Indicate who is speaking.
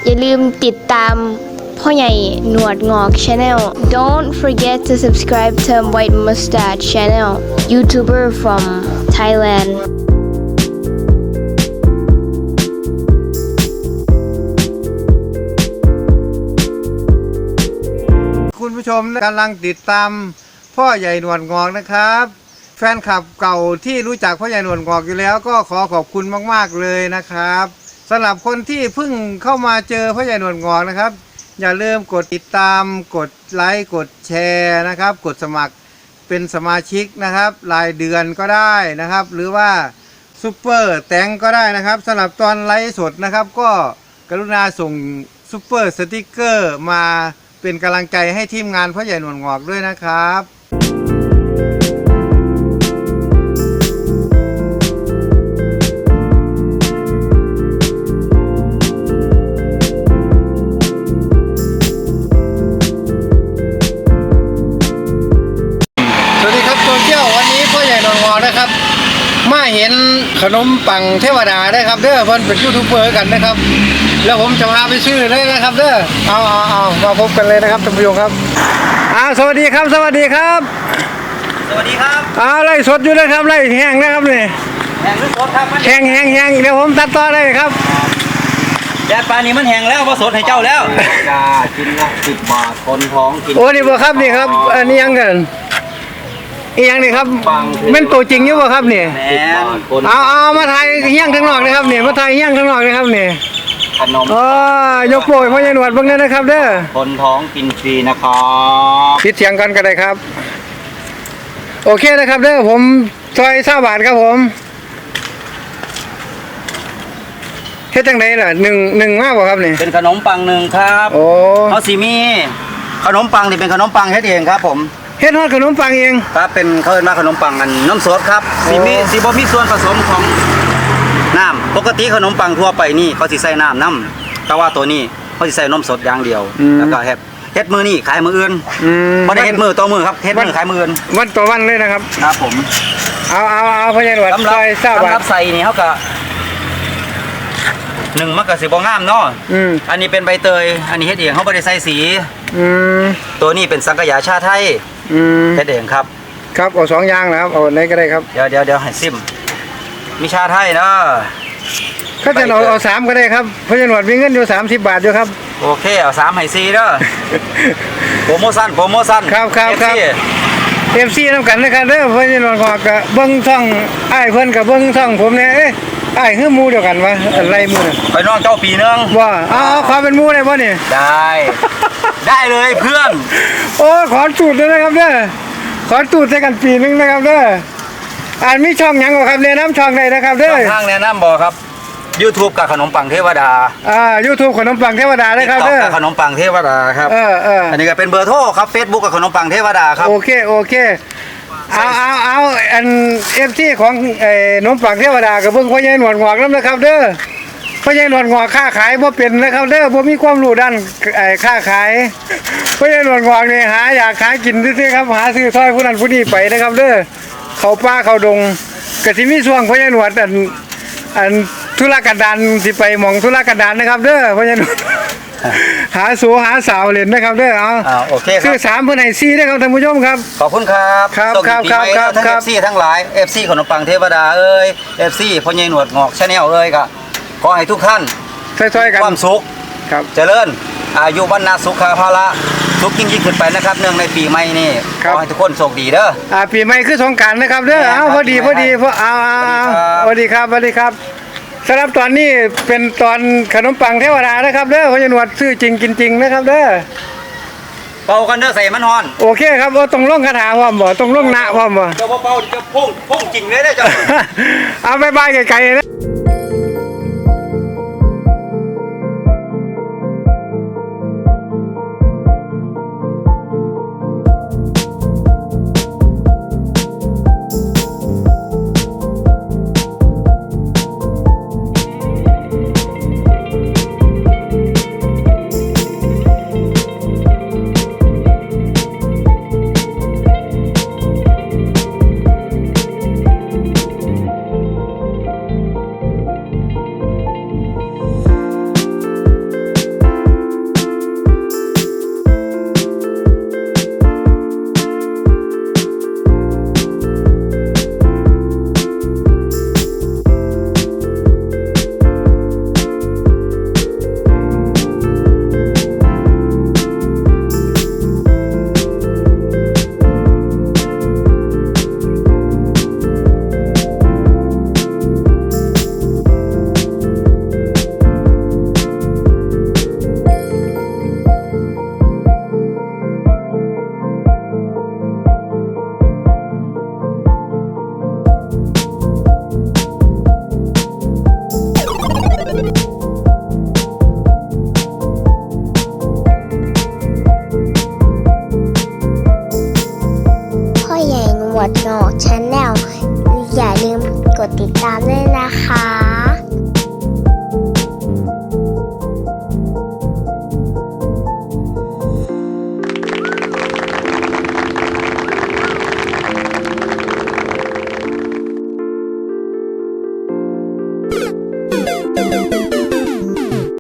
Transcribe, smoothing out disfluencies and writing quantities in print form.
Speaker 1: อย่าลืมติดตามพ่อใหญ่หนวดงอก Channel Don't forget to subscribe to White Mustache Channel YouTuber from Thailand
Speaker 2: คุณผู้ชมกำลังติดตามพ่อใหญ่หนวดงอกนะครับแฟนคลับเก่าที่รู้จักพ่อใหญ่หนวดงอกอยู่แล้วก็ขอขอบคุณมากๆเลยนะครับสำหรับคนที่เพิ่งเข้ามาเจอพ่อใหญ่หนวดงอกนะครับอย่าลืมกดติดตามกดไลค์กดแชร์นะครับกดสมัครเป็นสมาชิกนะครับรายเดือนก็ได้นะครับหรือว่าซุปเปอร์แตงก็ได้นะครับสำหรับตอนไลฟ์สดนะครับก็กรุณาส่งซุปเปอร์สติ๊กเกอร์มาเป็นกำลังใจให้ทีมงานพ่อใหญ่หนวดงอกด้วยนะครับสวัสดีครับตัวเที่ยววันนี้พ่อใหญ่หนวดงอกนะครับมาเห็นขนมปังเทวดาได้ครับเด้อเพิ่นเป็นยูทูบเบอร์กันนะครับแล้วผมจะพาไปซื้อเลยนะครับเด้อเอามาพบกันเลยนะครับท่านผู้ชมครับสวัสดีครับสวัสดีครับ
Speaker 3: สวัสดีครับ
Speaker 2: ไล่สดอยู่นะครับไล่แห้งนะครับนี่
Speaker 3: แห้งหรือสดครับมัน
Speaker 2: แห้งเดี๋ยวผมตัดต่อได้ครับ
Speaker 3: แดดปลานี้มันแห้งแล้วว่าสดให้เจ้าแล้วจ้ากินละ10 บาทคนท้องกิน
Speaker 2: โอ้นี่บ่ครับนี่ครับอันนี้ยังกันอีหยังนี่ครับเป็นตัวจริงอยู่บ่ครับนี่เอามาถ่ายเฮี้ยงข้างนอกนะครับนี่มาถ่ายเฮี้ยงข้างนอกนะครับนี่
Speaker 3: ขนม
Speaker 2: ยกโปรยพ่อใหญ่หนวดเบิ่งเลยนะครับเด้อ
Speaker 3: คนท้องกินฟรีนะครับ
Speaker 2: ปิดเสียงกันก็ได้ครับโอเคนะครับเด้อผมซอย20 บาทครับผมเฮ็ดจังได๋ล่ะหนึ่งมาบ่ครับนี่
Speaker 3: เป็นขนมปัง1ครับ
Speaker 2: โอ้
Speaker 3: เอาสิมีขนมปังนี่เป็นขนมปังเฮ็ดเองครับผม
Speaker 2: เฮ็ดฮอดขนมปังเอง
Speaker 3: ครับเป็นเขาเรียกว่าขนมปังอันน้ำสดครับสิบ่มีส่วนผสมของน้ำปกติขนมปังทั่วไปนี่เขาสิใส่น้ำแต่ว่าตัวนี้เขาสิใส่นมสดอย่างเดียวแล้วก็เฮ็ดมือนี่ขายมืออื่นบ่ได้เฮ็ดมือต่อมือครับเฮ็ดมือขายมืออื่น
Speaker 2: วันต่อวันเลยนะครับ
Speaker 3: ครับผม
Speaker 2: เอาพ่อใหญ่หนวดซอย20 บาท
Speaker 3: สำหรับใส่นี่เขาก็มันก็สิบ่งามเนาะอันนี้เป็นใบเตยอันนี้เฮ็ดเองเขาบ่ได้ใส่สีตัวนี้เป็นสังขยาชาไทยเฮ็ดเองครับ
Speaker 2: ครับเอา2อย่างนะครับเอาไหนก็ได้ครับ
Speaker 3: เดี๋ยวให้ซิมมีชาไทยเนาะ
Speaker 2: เขาจะเอา3ก็ได้ครับพ่อใหญ่หนวดมีเงินอยู่30 บาทอยู่ครับ
Speaker 3: โอเคเอา3ให้4เด้อโปรโมชั่น
Speaker 2: ครับFC นำกันนะครับเด้อพ่อใหญ่หนวดก็เบิ่งช่องอ้ายเพิ่นก็เบิ่งช่องผมเนี่ยอ้ายคือหมู่เดียวกันวะอะไรหมู่น่ะ
Speaker 3: ไปน้องเจ้าปีนึง
Speaker 2: ว่าขอเป็นหมู่ได้บ่นี่
Speaker 3: ได้เลยเพื่อน
Speaker 2: โอ้ขอตูดด้วยนะครับเด้อขอตูดใส่กันปีนึงนะครับเด้อมีช่องหยังบ่ครับแนะนำช่องใดนะครับเด้อ
Speaker 3: ทางแนะนำบ่ครับ YouTube กับขนมปังเทวดา
Speaker 2: YouTube ขนมปังเทวดาได้ครับเด้อ
Speaker 3: ขนมปังเทวดาครับอันนี้ก็เป็นเบอร์โทรครับ Facebook กับขนมปังเทวดาครับ
Speaker 2: โอเคเอาอัน FC ของขนมปังเทวดากับเบิ่งพ่อใหญ่หนวดงอกนำนะครับเด้อพ่อใหญ่หนวดงอกค้าขายบ่เป็นนะครับเด้อบ่มีความรู้ด้านค้าขายพ่อใหญ่หนวดงอกนี่อยากหากินซื่อๆครับหาซื้อซอยผู้นั้นผู้นี้ไปนะครับเด้อเข้าป่าเข้าดงก็สิมีช่วงพ่อใหญ่หนวดอันธุรกันดารสิไปหม่องธุรกันดารนะครับเด้อพ่อใหญ่หนวดหาสาวเล่นนะครับเด้อ
Speaker 3: โอเคครับ
Speaker 2: ซื้อ3เพิ่นให้4นะครับท่านผู้ชมครับ
Speaker 3: ขอบคุณครับ
Speaker 2: ครับทั้ง
Speaker 3: FC ทั้งหลาย FC ขนมปังเทวดาFC พ่อใหญ่หนวดงอก Channel ก็ขอให้ทุกท่าน
Speaker 2: ช่วยๆกัน
Speaker 3: ความสุข
Speaker 2: ครับ
Speaker 3: เจริญอายุวันนาสุขภาระสุขยิ่งขึ้นไปนะครับเนื่องในปีใหม่นี่ขอให้ทุกคนโชคดีเด้อ
Speaker 2: ปีใหม่คือสงกรานต์นะครับเด้อพอดีสวัสดีครับสำหรับตอนนี้เป็นตอนขนมปังเทวดานะครับเด้อพ่อใหญ่หนวดซื้อจริงกินจริงนะครับเด้อ
Speaker 3: เป่ากันเด้อใส่มันฮ้อน
Speaker 2: โอเคครับต้องลงคาถาพร้อมบ่ต้องลงนะพร้อมบ่
Speaker 3: เจ้าเป่าจะพุ่งจริงเลยเด้อเจ้า
Speaker 2: เอาบายไกลๆนะครับ